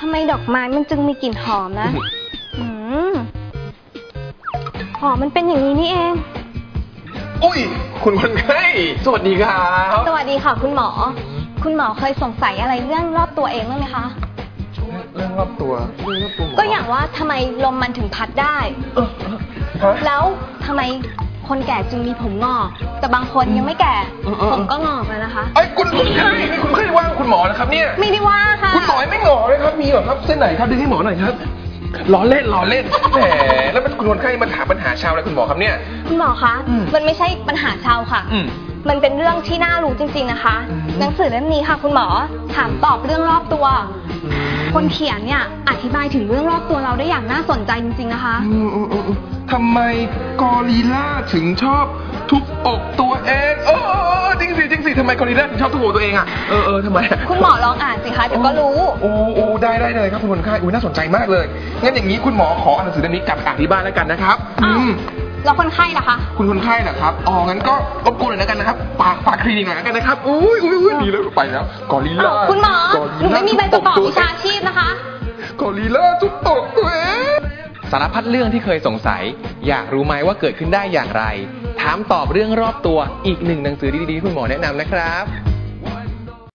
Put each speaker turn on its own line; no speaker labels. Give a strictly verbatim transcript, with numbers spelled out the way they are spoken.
ำไมดอกไม้มันจึงมีกลิ่นหอมนะอืมหอมมันเป็นอย่างนี้นี่เอง
อุ้ยคุณคนไข้สวัสดีครับ
สวัสดีค่ะคุณหมอคุณหมอเคยสงสัยอะไรเรื่องรอบตัวเองบ้างไหมคะ
เรื่องรอบตัวเรื่องรอบตัว
ก็อย่างว่าทำไมลมมันถึงพัดได้แล้วทำไมคนแก่จึงมีผมงอกแต่บางคนยังไม่แก่ผมก็งอกเลยนะคะ
ไอ้คุณคนไข้นี่คุณไข้ว่าคุณหมอนะครับเนี่ย
ไม่ได้ว่าค่ะ
คุณหมอไม่งอกเลยครับมีเหรอครับเส้นไหนครับดึงให้หมอหน่อยครับล้อเล่นล้อเล่นแหมแล้วเป็นคุณคนไข้มาถามปัญหาชาวอะไรคุณหมอครับเนี่ย
คุณหมอคะมันไม่ใช่ปัญหาชาวค่ะมันเป็นเรื่องที่น่ารู้จริงๆนะคะหนังสือเล่มนี้ค่ะคุณหมอถามตอบเรื่องรอบตัวคนเขียนเนี่ยอธิบายถึงเรื่องรอบตัวเราได้อย่างน่าสนใจจริงๆนะคะ
ทำไมกอริลลาถึงชอบทุบอกตัวเองเออจริงสิจริงสิทำไมกอริลลาถึงชอบทุบอกตัวเองอ่ะเออเออทำไม
คุณหมอลองอ่านสิคะเดี๋ยวก็รู้
โอ้โอ้ได้ได้เลยครับคุณคนไข้อุ้ยน่าสนใจมากเลยงั้นอย่างนี้คุณหมอขออ่านหนังสือเล่มนี้กลับไปอ่านที่บ้านแล้วกันนะครับ
อืมแล้วคนไข้ล่ะคะ
คุณคนไข้เหรอครับอ๋องั้นก็รบกวนหน่อยแล้วกันนะครับฝากฝากคลินิกหน่อยแล้วกันนะครับอุ้ยอุ้ยอุ้ยดีแล้วไปแล้วกอริลลา
คุณหมอหนูไม่มีใบประกอบวิชาชีพนะคะ
กอริลลาทุบตกตัวเอง
สารพัดเรื่องที่เคยสงสัยอยากรู้ไหมว่าเกิดขึ้นได้อย่างไรถามตอบเรื่องรอบตัวอีกหนึ่งหนังสือดีๆที่คุณหมอแนะนำนะครับ